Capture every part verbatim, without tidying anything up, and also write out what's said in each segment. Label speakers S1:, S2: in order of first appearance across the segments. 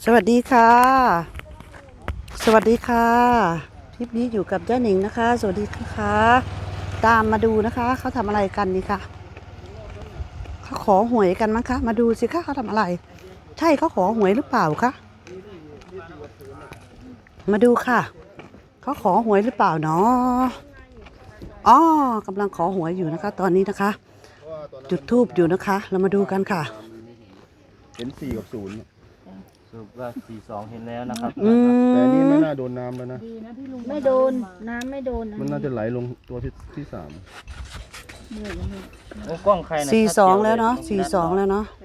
S1: สวัสดีค่ะสวัสดีค่ะคลิปนี้อยู่กับเจ้าหนิงนะคะสวัสดีค่ะตามมาดูนะคะเขาทำอะไรกันนี่ค่ะเขาขอหวยกันมั้งคะมาดูสิคะเขาทำอะไรใช่เขาขอหวยหรือเปล่าคะมาดูค่ะเขาขอหวยหรือเปล่าเนาะอ๋อกำลังขอหวยอยู่นะคะตอนนี้นะคะจุดธูปอยู่นะคะเรามาดูกันค่ะ
S2: เห็นสี่กับศูนย์
S3: สรุปว่าสี่สองเห็นแล้วนะครับ
S2: แต่นี่ไม่น่าโดนน้ำแล้วนะ
S4: ไม่โดนน้ำไม่โดน
S2: มันน่าจะไหลลงตัวที่ที่สาม
S3: โอ้กล้องใครนะ
S1: สี่สองแล้วเนาะสี่สองแล้วเนาะ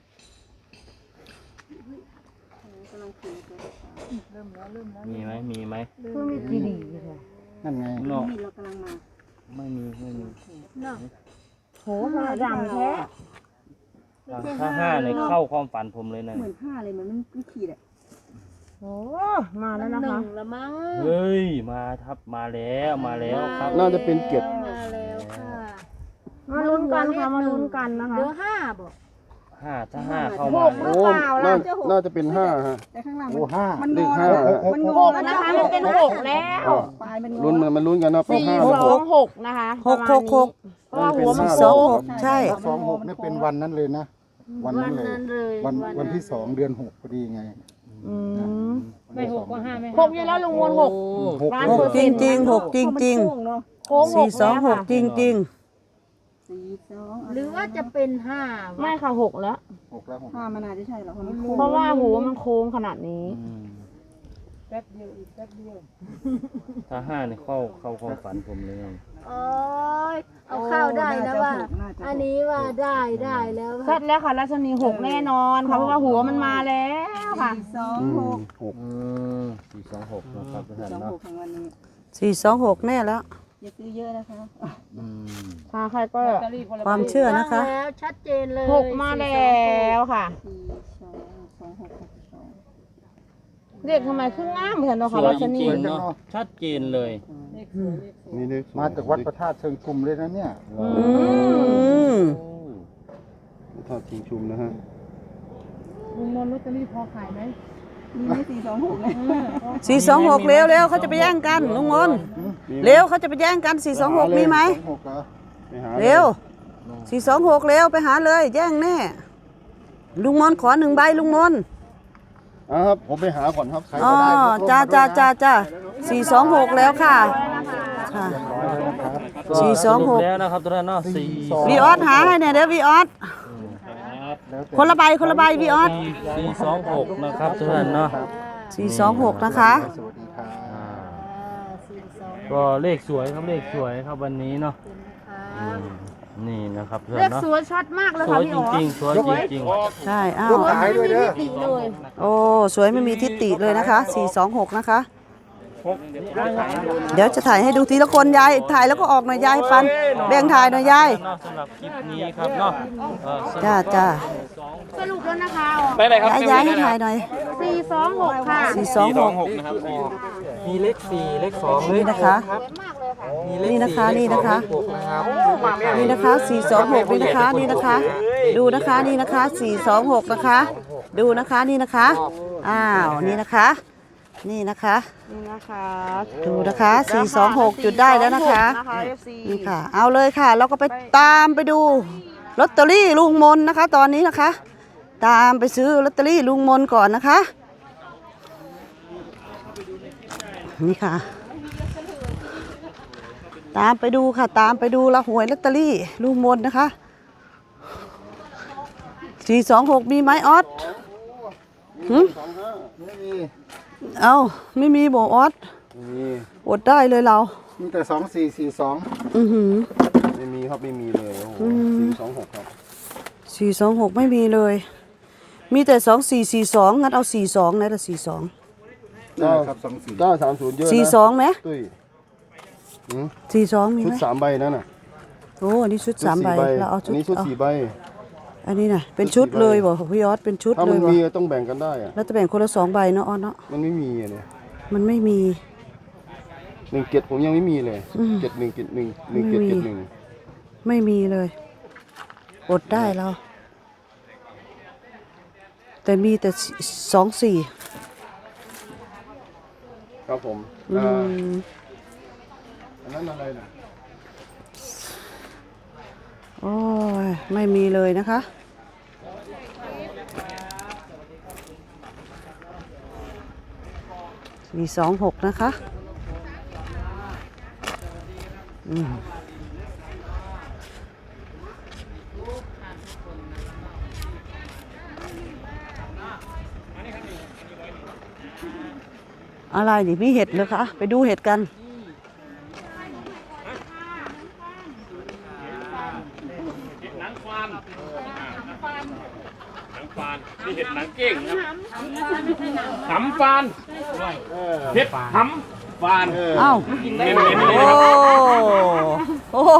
S3: มีไหมมีไหม
S2: นั่นไง
S3: เนาะไม่มีไม่มี
S4: โหมาดำแท้
S3: ถ้าห้าเนี่ยเข้าความฝันผมเลยนะ
S5: เหมือนห้าเลยมันไม่ขีดอ่ะ
S4: โอ้มาแล้วนะคะ
S5: ละมั้ง
S3: เฮ้ยมาทับมาแล้วมาแล้วครับ
S2: น่าจะเป็นเก็บ
S5: มาแล้วค่ะ
S4: มาลุ้นกันค่ะมาลุ้นกันนะคะ
S5: เดี๋ยวห้าบอก
S3: ห้าถ้าห้าเข้า
S4: ห
S3: มาก
S4: หรือเปล่าล่ะ
S2: น่าจะเป็นห้าฮะ
S5: แต่ข้างล่าง
S2: โอ้ห้า
S5: มัน
S2: เล
S5: ง
S2: ข
S5: อ
S2: ห้า
S5: มันง
S4: ห
S5: อก
S4: นะคะมันเป็นหกแล้ว
S5: ปลายมันงอ
S2: ลุ้นมันมันลุ้นกันนะเป็น
S4: สี่
S2: ห้า
S4: สองหกนะคะ
S1: หกหกหก
S4: เพราะว่าหัวมัน
S1: สอง
S4: โค้
S1: ห
S4: ง
S1: กใช่
S6: สองหกนี่เป็นวันนั้นเลยนะวันนั้นเลย
S5: เลย
S6: วันวันที่สองเดือนหกพอดีไง
S4: อืม
S6: ไม่หกก็ห้าไม่
S4: หกอยู่แล้วลุงมวลหก
S6: หก
S4: ล้าน
S1: ห
S4: เปอก ร์
S1: จ
S4: เซ็
S1: ริ
S4: น
S1: ง
S4: ต์
S1: จริงหกจริงจริง
S4: โค้งห
S1: สี่
S4: ก
S1: สองหกจริงจริง
S5: สี่สอง
S4: หรือว่าจะเป็นห้าไม่ค่ะหกแล้ว
S6: หกแล้วหก
S5: ห้ามันน่าจะใช่หรอมัน
S4: เพราะว่าหัวมันโค้งขนาดนี้
S5: แป๊บเดียวอีกแป๊บเดียว
S3: ถ้าห้าเนี่ยเข้าเข้าความฝันผมเลย
S5: โอ้ยเอาเข้าได้นะว่าอันนี้ว่าได้ได้แล้ว
S4: เสร็จแล้วค่ะรัชนีหกแน่นอนค่ะเพราะว่าหัวมันมาแล้วค่ะ
S5: สองหก
S2: หก
S3: อืมสี่สองหกนะครับทุกท่าน
S5: สอง
S3: เนาะ
S5: หกของวันนี้
S1: สี่สองหกแน่แล้ว
S5: อย่าซื้อเยอะนะคะ
S3: อืม
S4: ค่ะใครก็
S1: ความเชื่อนะคะ
S5: แล้วชัดเจนเลย
S4: หกมาแล้วค่ะ
S5: สี่สองสองหกหกสอง
S4: เด็กทำไมขึ้นง่ามเหมือนเนาะ
S3: ส
S4: ค่ะ
S3: วย
S4: รัช
S3: จ
S4: นี
S3: ริงๆเนาะชัดเจนเลย
S2: นี่เลข
S6: มาจากวัดพระธาตุเชิงชุมเลยนะเนี่ย
S1: อืม
S2: ทอดทิ้งชุมนะฮะ
S4: ลุงมนลอตเตอรี่พอขายไหม
S5: มีไหมสี่สองหกนะ
S1: สี่สองหกเร็วเร็วเขาจะไปแย่งกันลุงมนเร็วเขาจะไปแย่งกันสี่สองหกมีไหม
S6: สองหกเหรอ
S2: ไปหา
S1: เร็วสี่สองหกเร็วไปหาเลยแย่งแน่ลุงมนขอหนึ่งใบลุงมน
S2: อ่ะครับผมไปหาก่อนครับใคร
S1: อ๋อ
S2: ก็ได้
S1: จ้าจ้าจ้าจ้าสี่สองหกแล้วค่ะค่ะสี่สองหก
S3: แล้วนะครับทุกท่านเนาะสี่
S1: วีออสหาให้เนี่ยเดี๋ยววีออสคนละใบคนละใบวีออส
S3: สี่สองหกนะครับทุกท่านเนาะ
S1: สี่สองหกนะคะ
S6: สวัสดีครับ
S3: อ่าก็เลขสวยครับเลขสวยครับวันนี้เนาะอืมนี่นะครับเพื่อน
S4: เลข
S3: เนาะ
S4: สวยชัดมากเลย
S3: ส
S4: ค่ะ
S3: วย
S4: พี่
S3: จ
S4: อ๋อ
S3: ริงๆสวยจริง
S1: ใช่อ้าว
S6: ลูกขายด้วยเด้อ
S4: ติเลย
S1: โอ้สวยไม่มีทิฏฐิเลยนะคะสี่สองหกนะคะเดี๋ยวจะถ่ายให้ดูทีละคนยายถ่ายแล้วก็ออกหน่อยยายให้ปันแบ่งถ่ายหน่อยยาย
S3: ๆเนาะสำหรับคลิปนี้ครับเนาะเออสำหรับ
S1: จ้าจ้า
S4: สรุปแล้วนะคะอ๋อ
S3: ไปเลยครับ
S1: ยายยายให้ถ่ายหน่อย
S4: สี่สองหกค่ะ
S1: สี่สองหก
S3: นะครับมีเลขสี่เลขสอง
S1: นี่นะคะ นี่นะคะนี่นะคะนี่นะคะสี่สองหกนี่นะคะนี่นะคะ ดูนะคะนี่นะคะสี่สองหกนะคะ ดูนะคะนี่นะคะอ้าวนี่นะคะ นี่นะคะ
S4: นี่นะคะ
S1: ดูนะคะสี่สองหกจุดได้แล้วนะคะนี่ค่ะ เอาเลยค่ะ เราก็ไปตามไปดูลอตเตอรี่ลุงมนนะคะ ตอนนี้นะคะ ตามไปซื้อลอตเตอรี่ลุงมนก่อนนะคะนี่ค่ะ ตามไปดูค่ะตามไปดูละหวยลอตเตอรี่ลุงมนนะคะสี่สองหกมีไหมออสหืมเอาไม่มีบอกออส
S2: มี
S1: อดได้เลยเรา
S6: มีแต่สองสี่สี่สอง
S1: อือหือ
S2: ไม่มีครับไม่มีเลยโอ้โหสี่สองหกครับ
S1: สี่สองหกไม่มีเลย มีแต่สองสี่สี่สองงั้นเอาสี่สองนะแต่สี่สอง
S6: ได้ครับสองสี่
S2: เก้าสามศูนย์เยอะนะ
S1: สี่สองไหม
S2: ตุ้ยหืม
S1: สี่สองมี
S2: ชุ
S1: ไห
S2: ด
S1: ม
S2: สามใบนั่นน่ะ
S1: โอ้อันนี้ชุดสามใบเราเอาชุ
S2: อั
S1: ด
S2: นนี้ชุด
S1: เอา
S2: สี่ใบ
S1: อันนี้น่ะเป็นชุดเลยบ่พี่ยอดเป็นชุด
S2: ถ้า
S1: เล
S2: มั
S1: ย
S2: น
S1: บ่
S2: มีต้องแบ่งกันได้อะ
S1: แล้วจะแบ่งคนละสองใบเนาะออสเนาะ
S2: มันไม่มีอะเนี่ย
S1: มันไม่มี
S2: หนึ่งเจ็ดผมยังไม่มีเลย
S1: อืม
S2: เจ็ดหนึ่งเจ็ดหนึ่งหนึ่งเจ็ดเจ็ดหนึ่ง
S1: ไม่มีเลยอดได้เราแต่มีแต่สองสี่
S2: ครับผม
S1: อื
S2: อ่าม อันนั้นอะไรนะ
S1: โอ้ยไม่มีเลยนะคะมีสองหกนะคะอืมอะไรนี่มีเห็ดเลยคะ ไปดูเห็ดกัน
S7: หนังฟานหนังฟานนี่เห็ดหนังเก้งครับหำฟานเห็ดหำฟาน
S1: เอ้า
S7: เน้นเน้น
S1: โอ้โอ้โห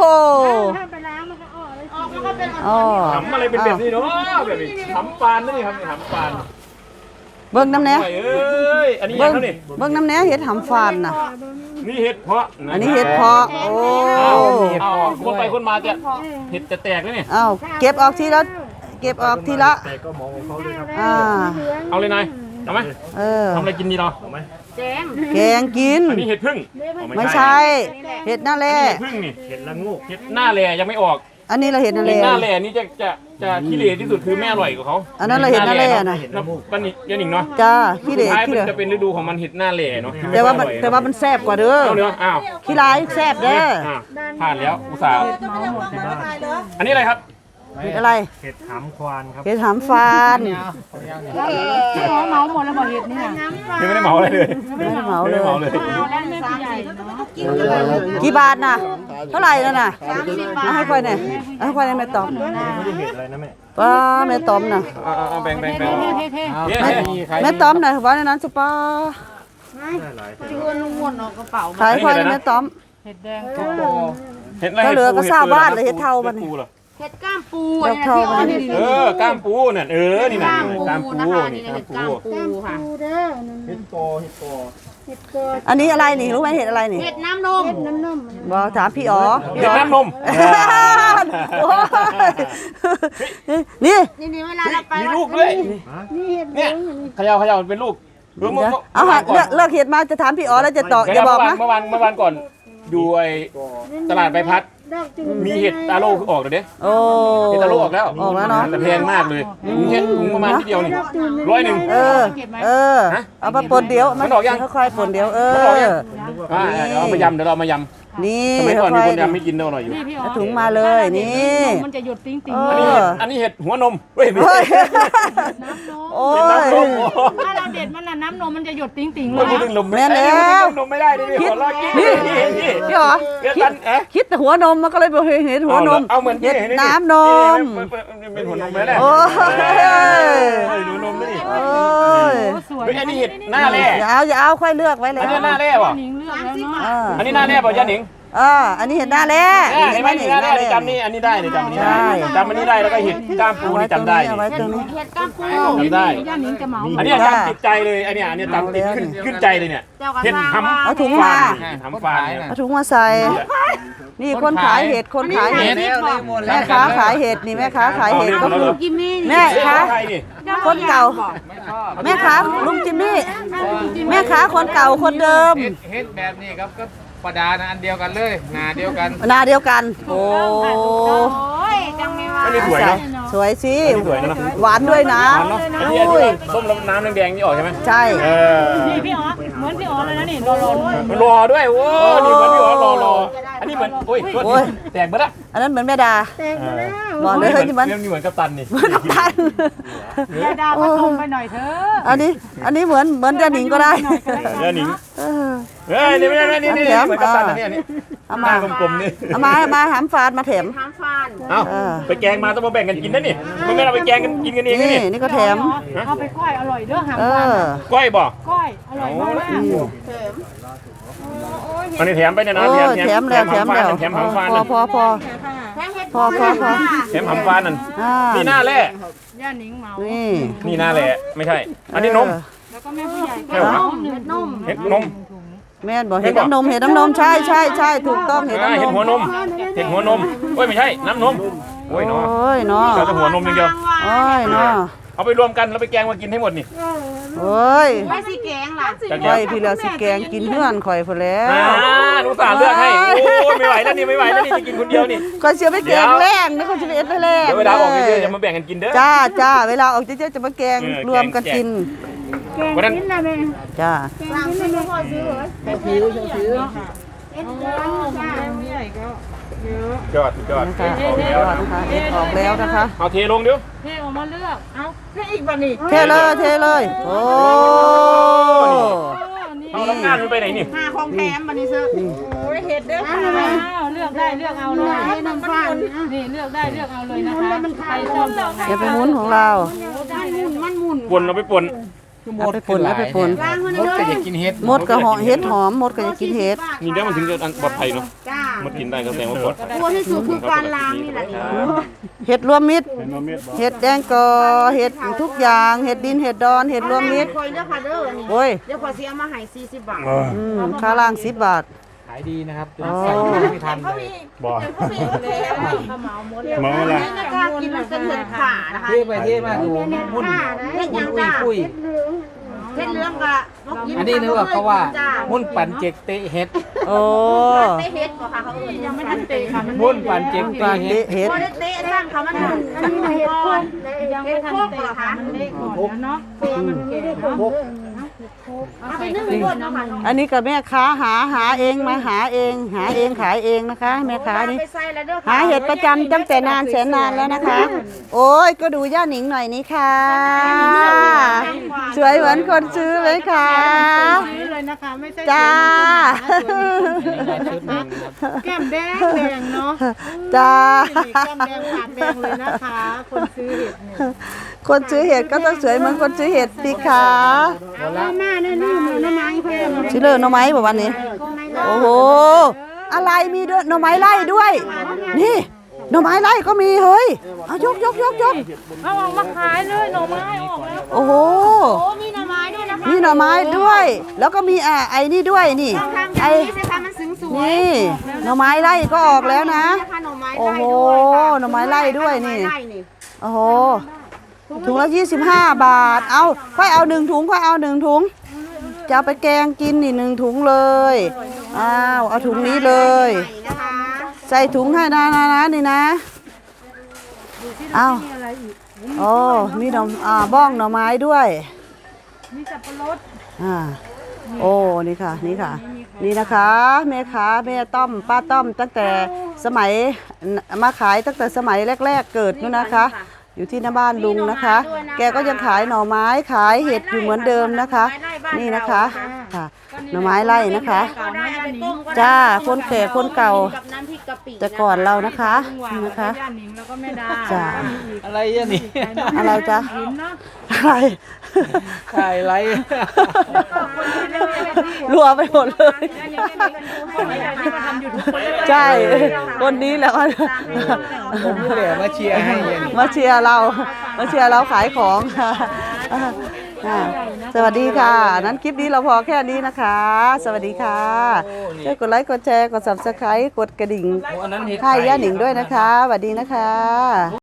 S1: อ๋อ
S7: หำอะไรเป็นแบบนี้เนาะแบบนี้หำฟานนี่ครับนี่หำฟาน
S1: เบิ่งน้ำแหน่
S7: เอ้ยอันนี้ยั
S1: เบิ่
S7: ง
S1: ง
S7: เท่านี่
S1: เบิ่งน้ำแหน่เห็ดหำฟานน่ะ
S7: นี่เห็ดเพาะะ
S1: อันนี้เห็ดเพาะ โอ้
S7: อ้าวอ้าวคนไปคนมาจะเห็ดจะแตกแล้วนี่
S1: เอ้าเก็บออกทีละ เก็บออกทีละ
S7: แต่ก็มองของเขาด้วยครับ
S1: อ่า
S7: เอาเลยนายเอาไหม
S1: เออ
S7: ทำอะไรกินดีเนาะเอาไหม
S1: แกงกิน
S7: อันนี้เห็ดพึ่งเอา
S1: ไม่ใช่ เห็ดหน้าแร่
S7: เห็ดพึ่งนี่เห็ดละงูเห็ดหน้าแลยังไม่ออก
S1: อันนี้เราเห็ดหน้า
S7: เห็
S1: แร่
S7: ดหน้าแลนี่จะจะจะขี้เหร่ที่สุดคือแม่อร่อยกว่าเขา
S1: อันนั้นเราเห็ดหน้าแร่น่ะ
S7: เนาะป้านิยันหนิงเนาะ
S1: จ้าขี้เหร่
S7: สุดท้าย
S1: ขี้
S7: มั
S1: เหร่
S7: นจะเป็นฤดูของมันเห็ดหน้าแลเนาะที่
S1: แต่ว่า
S7: ไค่
S1: มัน
S7: อยอร่อย
S1: แต่ว่ามันแซ่บกว่าเด้อ
S7: เอาเนื้ออ้าว
S1: ขี้ร้ายแซ่บเด้อ
S7: อ่ะผ่านแล้วอุตส่าห์อันนี้อะไรครับ
S1: เห็ดอะไร
S6: เห็ดหำควานครับ
S1: เห็ดหำฟาน
S4: พี่อ๋อเมาหมดแล้วบอกเห็ดเนี่ย
S7: ยังไม่ได้เหมาอะไรเลย
S1: ไม่ได้เหมาเล
S7: ไม่
S1: ย
S7: ได้เหมาเลย
S4: เอาแล้วไม่ผู้ใหญ่เนาะ
S1: กี่บาทน่ะ เท่าไหร่นั่นน่ะเอาให้ค่อยหน่อยเอาให้ค่อยหน่อยแม่ตอม
S6: ไม่ได้เห็ดอะไรนะแม่
S1: ป้าแม่ตอมน่ะ
S7: เอาเอาเอาแบ่งแบ่งแบ่ง
S4: เท่เท่เท่
S7: เนี่ย
S1: แม่แม่ตอมน่ะว่าในนั้นสุป้า
S4: ชวนลุงวนออกกระเป๋า
S1: ขายค่อยแม่ตอม
S4: เห็ดแดง
S7: เห็ดอะไร
S1: ก็เหลือก็
S7: ห็ดปู
S1: ทราบบ้าน
S7: ห็ด
S1: เลยเห็ดเทาบัดนี้
S7: ปูเหรอ
S4: เห็ดก้ามปู
S1: ดอกเทาบัดนี้
S7: เออกล้ามปูเนี่ยเออนี่นะ
S4: ก้าม
S7: กล้าม
S4: ปู
S7: ปู
S4: นะคะ
S7: นี่
S4: นี่
S7: กล้า
S4: เห็
S7: ม
S4: ด
S7: ปู
S4: ก้ามปูค่ะ
S5: ปูเด้อนั่น
S6: เห็ดโตเห็ดโต
S5: เห็ดโกด
S1: อันนี้อะไรนี่รู้ไหมเห็ดอะไรนี่
S4: เห็ดน้ำนม
S5: เห็ดน้ำนม
S1: บอกถามพี่อ๋อพี่
S7: เห็ด
S1: อ๋อ
S7: น้ำนม
S1: โอ้ยนี่
S4: นี่นี่เวลาเราไป
S7: มีลูกด้วย
S5: นี่เห็ดเหลื
S7: เนี่
S5: อย งอันนี้
S7: เขย่าเขย่ามันเป็นลูกเมื่อเมื่อ
S1: เดี๋ยว
S7: เมื่อ
S1: เอาหา
S7: ก่อน
S1: เลือกเลือกเห็ดมาจะถามพี่อ๋อแล้วจะต่อ
S7: เดี๋
S1: อย่าบอกนะ
S7: เมื่อวานเมื่อวานเมื่อวานก่อนอยู่ไอ้ตลาดใบพัด
S5: ดอกจืด
S7: มีเห็ดตาโลออกเลยเด้
S1: โอ้
S7: เห็ดตาโลออกแล้ว
S1: ออกแล้วเนาะ
S7: แต่แพงมากเลยถุงเห็ดถุงประมาณที่เดียวนี่ร้อยหนึ่ง
S1: เออ เออ
S7: ฮะ
S1: เอามาปนเดียว
S7: มันออกยัง
S1: ค่อยๆปนเดียว เอ
S7: มันออกยั
S1: อ
S7: ง อ่าเดี๋ยวเอามายำเดี๋ยวเราเอามายำ
S1: นี่
S7: สมัยก่อนมี
S1: ค่
S7: ค
S1: อย
S7: น
S1: ๆ
S7: ยำไม่กินเท่าหน่อยอยู่
S4: นี่พี่อ๋อ
S1: เอาถุงมาเลยนี่
S4: มันจะหยดติ้งติ้ง
S1: เอ
S7: อันนี้
S1: อ
S7: เห็ดอันนี้เห็ดหัวนมเฮ้ยไม่
S1: เฮ้
S7: ใช่
S1: ย โอ้
S7: เห็ด
S1: ย
S7: น้ำนม
S4: ถ้าเราเด็ดมันน่ะน้ำนมมันจะหยดติ้งติ้งเล
S7: โอ้ย
S4: ย
S7: พูดถึงนม
S1: แม่แล้ว
S7: นมไม่ได้ดิพี่ขอลากกิน
S1: นี่
S7: นี่นี่
S1: พี่อ๋อ
S7: เดี๋ยว
S1: คิ
S7: ตั
S1: ด
S7: นเอ๊ะ
S1: คิดแต่หัวนมมันก็เลยบอกเห็นหัวนม
S7: เอาเหมือน
S1: เห็ด
S7: ที่
S1: น้ำนม
S7: เป็นหัวนมไหมเนี่ย
S1: โอ้ย
S7: เฮ้ยดูนมด้วยดิ
S1: โอ้ย
S4: โอ้สวย
S7: เฮ้ยอันนี้เห็ดหน้าแร่
S1: อย่าเอาอย่าเอาค่อยเลือกไว้แล้
S7: อัน
S1: ว
S7: นี้หน้าแร่ป่ะ
S4: หนิงเลือกแล้วเนาะ
S1: อ่า
S7: อันนี้หน้าแร่ป่ะย่าหนิง
S1: อ่าอันนี้เห็นหน้าแล้ว
S7: เนี่ยเห็นไหมนี่หน้าแร่นี่จำนี่อันนี้ได้นี่จำอันนี้ได้จำอันนี้ได้แล้วก็เห็ดกล้ามปู
S1: เอาไว้
S7: นี่
S1: ตรง
S7: จำได้
S1: นี้เอาไว้ตรงนี้
S4: เห็ดก้ามปู
S7: จำได้
S4: ย่าหนิงจะเหมา
S7: อันนี้จำติดใจเลยอันเนี้ยอันนี้จำติดขึ้นขึ้นใจเลยเนี่ย
S4: เจ้ากระ
S7: เห็ด
S4: ซัง
S7: ทำ
S1: เอาถุงมา
S7: ทำฟานเนี่ย
S1: เอาถุงมาใส่ นี่คนขายเห็ด คนขายเห็ด แม่ค้าขายเห็ดนี่แม่ค้าขายเห็ดก็คือ
S4: กิมมี่
S1: แม่ค้า
S7: ใครนี่
S1: คนเก่า แม่ค้าลุงจิมมี่ แม่ค้าคนเก่าคนเดิม
S8: เฮ็ดแบบนี้ครับก็ประดานะอันเดียวกันเลยหนาเดียวกัน
S1: หนาเดียวกัน โอ้
S4: โอ้ยจังไม่ว่า
S7: อันนี้สวยนะ
S1: สวยสิ
S7: อันนี้สวยนะ
S1: หวานด้วยนะ
S7: เนาะอันนี้อัน
S1: อุ้ย
S7: นี้ส้มแล้วน้ำแดงๆนี่ออกใช่ไหม
S1: ใช่
S7: เออ
S4: นี่พี่อ๋อเหมือนพี่อ๋อเลยนะนี่รอรอ
S7: มันรอด้วยโอ้นี่เหมือนพี่อ๋อรอรออันนี้เหมือนโอ้ยโทษทีแตกไปละ
S1: อันนั้นเหมือนแม่ดา
S5: แตกมาแล้ว
S1: บอกเลยเฮ้ยนี่มัน
S7: เรื่องนี้เหมือนกัปตันนี่
S1: เหมือนกับตัน
S4: ยาดาวมาชมไปหน่อยเถอะ
S1: อันนี้ อันนี้เหมือนเหมือนเจ้าหนิงก็ได้
S7: เดี๋ยวหนิง
S1: เออ
S7: เฮ้ยนี่ไม่ได้นี่นี่เหมือนกัปตันนะเนี่ยนี่
S1: เอา
S7: ห
S1: มา
S7: น้ากลมๆนี่
S1: เอามาเอามาหามฟานมาแถม
S4: ทางฟาน
S7: เอ้า
S1: เออ
S7: ไปแกงมาต้องมาแบ่งกันกินนะนี่ไม่งั้นเราไปแกงกันกินกันเองนะ
S1: นี่
S7: นี่
S1: นี่ก็แถม
S4: เอาไปก้อยอร่อยเด้อหาง
S1: เอ
S4: ฟาน
S1: อ
S7: ก้อยบ่
S4: ก้อยอร่อยมาก
S7: อันนี้แถมไปเนี่ยนะ
S1: โอ้
S7: แถม
S1: ยแถมแล้วแถมแล้ว
S7: แถมหำฟาน
S1: พอ
S7: นั่น
S1: พอพอ
S4: แค่เห็ด
S1: พอพอพอ
S7: แถมหำฟานนั่น
S1: อ่า
S7: นี่หน้าแร่
S4: ย่าหนิงเหมา
S1: นี่
S7: นี่หน้าแร่ไม่ใช่ อันนี้นม
S4: แล้วก็แม่ผู้ใหญ่
S7: ใช่เหรอ
S4: เห็ดนม
S7: เห็ดนม
S1: แม่นบอกเห็ดน้ำนมเห็ดน้ำนมใช่ใช่ใช่ถูกต้องเห็ด
S7: อ่า
S1: น้ำน
S7: เห็ด
S1: ม
S7: หัวนมเห็ดหัวนมโอ้ยไม่ใช่น้ำนมโอ้ยเนาะ
S1: โอ้ยเนาะ
S7: เราจะหัวนมอย่างเดียว
S1: โอ้ยเนาะ
S7: เอาไปรวมกันแล้วไปแกงมากินให้หมดนี่
S1: โอ้ย
S4: ไม่สิแกงล่ะ
S7: จาก
S1: ข่
S7: เดีย
S1: อยว พี่เหลือสิแกงกินเพื่อนข่อยพอแล้ว
S7: อ่าหนูสารเลือกให้โอ้ยไม่ไหวแล้วนี่ไม่ไหวแล้วนี่จะกินคนเดียวนี่
S1: ข่อยเสียไปแกงแรงนะข่อยจะไปเอ็ดไปแรง
S7: เดี๋ยวเวลาออกเยอะๆจะมาแบ่งกันกินเด้อ
S1: จ้าจ้าเวลาออกเยอะๆจะมาแกง
S7: เออ
S1: รวมกันกิน
S7: วันนั้น
S1: จ้า
S5: วางซื้อพ่อซื้อเหรอย
S7: อดยอด
S1: นะคะออกแล้วนะคะเอ็ดออกแล้วนะคะ
S7: เอาเทลงเดี๋ยว
S4: เทออกมาเลือกเอาเทอีกบ่นี่
S1: เทเลยเทเลยโอ้
S7: เอาน้ำงานมันไปไหนนี่
S4: หาของแถมบ่นี่เซอร์โอ้ยเห็ดเด้อค่ะเลือกได้เลือกเอาเลยน้ำฟ้านนี่เลือกได้เลือกเอาเลยนะคะใครชอบดอกไหน
S1: อย่าไปหมุนของเรา
S4: มันหมุน
S7: ปนเอาไปปน
S1: เอาไปป่นเอาไปป่น
S8: มดก็อยากกินเห็ด
S1: มดกระหอเห็ดหอมมดก็จะกินเห็ด
S7: นี่เดี๋ยวมันถึงจะปลอดภัยเนาะ
S4: จ้า
S7: มันกินได้ก็แสดงว่าปลอดภัย
S4: ตัวที่สุดคือการล้างนี่แหละ
S1: เห็ดรวมมิตร
S2: เห็นว่าเม็ดบอก
S1: เห็ดแดงกอเห็ดทุกอย่างเห็ดดินเห็ดดอนเห็ดรวมมิตร
S4: คอยเด้อค่ะเด้อนี่
S1: โอ้ย
S4: เดี๋ยวขอสิเอามาให้สี่สิบบาท
S1: อืมค่าล่างสิบบาท
S8: ขายดีนะครับจน
S1: อ๋อ
S8: ใส่ไม่ทันเลย
S2: บอก
S5: เหมาหมดเลย
S2: มองอะไร
S4: นี่นะคะกินมันเป็นเห็ดขานะคะ
S8: เท่ไปเท่มากดูมุ่น
S4: เห็ด
S8: มุ่
S4: ยั
S8: น
S4: ง
S8: อุ้ย
S4: จ้า
S8: ปุ้ย
S4: เห็ดเหลืองกะ
S8: อันนี้นึกว่าเขาว่ามุ่นปั่นเจกเตะเห็ด
S1: โอ้
S4: เตะเห็ดบ่ค่ะเขาเอ่ยยังไม่ทันเตะค่ะมัน
S8: มุ่นปั่นเจก
S1: ปลา
S8: เตะเห็ด
S1: เตะเห็ด
S4: บ่ได้เตะสร้างค่ะมันหมุนอันนี้เห็ดโคนยังไม่ทันเตะค่ะมันเละก่อนแล้วเนาะเตะมันเก่งเนาะเอาไปนึ่งบดเนาะค่ะ
S1: อันนี้กับแม่ค้าหาหาเองมาหาเองหาเองขายเองนะคะ แม่ค้านี่
S4: ไปใส่แล้วเด้อ
S1: หาเห็ดประจำตั้งแต่นานแสนนานแล้วนะคะ โอ้ยก็ดูย่าหนิงหน่อยนี่ค่ะ สวยเหมือนคนซื้อไหมคะ
S4: ซื้อเลยนะคะไม่ใช่
S1: จ้า
S8: ชุดหนึ่งครับ
S4: แก้มแดงแดงเนาะ
S1: จ้า
S4: แก้มแดงปากแดงเลยนะคะ คนซื้อเห็ดเนี่ย
S1: คนซื้อเห็ดก็ต้องสวยเหมือนคนซื้อเห็ดสิคะ
S4: เอามาเนี่ยนี่หมูน้ำมันเพิ่ม
S1: ชิเลอร์หน่อไม้บอกวันนี้ โอ้โห อะไรมีด้วยหน่อไม้ไล่ด้วย นี่หน่อไม้ไล่ก็มีเฮ้ย เอายกยกยกยก
S4: เอาออกมาขายเลยหน่อไม้ออกแล้ว
S1: โอ้โห
S4: โอ้มีหน่อไม้ด้วยนะคะ
S1: มีหน่อไม้ด้วย แล้วก็มีอ่าไอ้นี่ด้วยนี่
S4: ทาง
S1: ไอ้
S4: นี้สิคะมันสูงสวย
S1: นี่หน่อไม้ไล่ก็ออกแล้วนะ
S4: นะคะหน่อไม้
S1: โอ้
S4: ไล่
S1: โห
S4: ด้วยค่ะ
S1: หน่อไม้ไล่ด้วยนี่
S4: หอไม้ไล่นี่
S1: โอ้โห ถุงละยี่สิบห้าบาท เอาค่อยเอาหนึ่งถุงค่อยเอาหนึ่งถุง จะเอาไปแกงกินนี่หนึ่งถุงเลย อ้าว เอาถุงนี้เลย
S4: นะคะ
S1: ใส่ถุงให้นะนะนะนี่นะเอาโอ้มีหน่ออ่าบ้องหน่อไม้ด้วย
S4: มีสับปะรด
S1: อ่า โอ้ นี่ค่ะ นี่ค่ะ นี่นะคะแม่ค้าแม่ต้อม ป้าต้อม ตั้งแต่สมัยมาขายตั้งแต่สมัยแรก ๆ เกิดนู่นนะคะ อยู่ที่หน้าบ้านลุงนะคะ แกก็ยังขายหน่อไม้ขายเห็ดอยู่เหมือนเดิมนะคะ นี่นะคะค่ะหน่อไม้ไล่นะคะ
S4: ก็ได้เอาไปต้มก็ได้
S1: จ้าคนแก่คนเก่า
S4: กับน้ำพริกกะปิ
S1: แต่ก่อนเรานะคะนี่นะคะ
S4: ย่าหนิงแล้วก็แม่ดา
S1: จ้า
S8: อะไรอ่ะนี่
S1: อะไรจ๊ะอะไร
S8: ขายไร
S1: รัวไปหมดเลย ใช่ คนนี้แหล้ว
S8: ผมนี่แหละมาเชียร์ให้เย็น
S1: มาเชียร์เรา มาเชียร์เราขายของค่ะอ่าสวัสดีค่ะ นั้นคลิปนี้เราพอแค่นี้นะคะ สวัสดีค่ะช่วยกดไลค์ กดแชร์ กด ซับสไครบ์ กดกระดิ่ง
S8: โอ้อันนั้นเห็ด
S1: ให้ย่าหนิงด้วยนะคะ สวัสดีนะคะ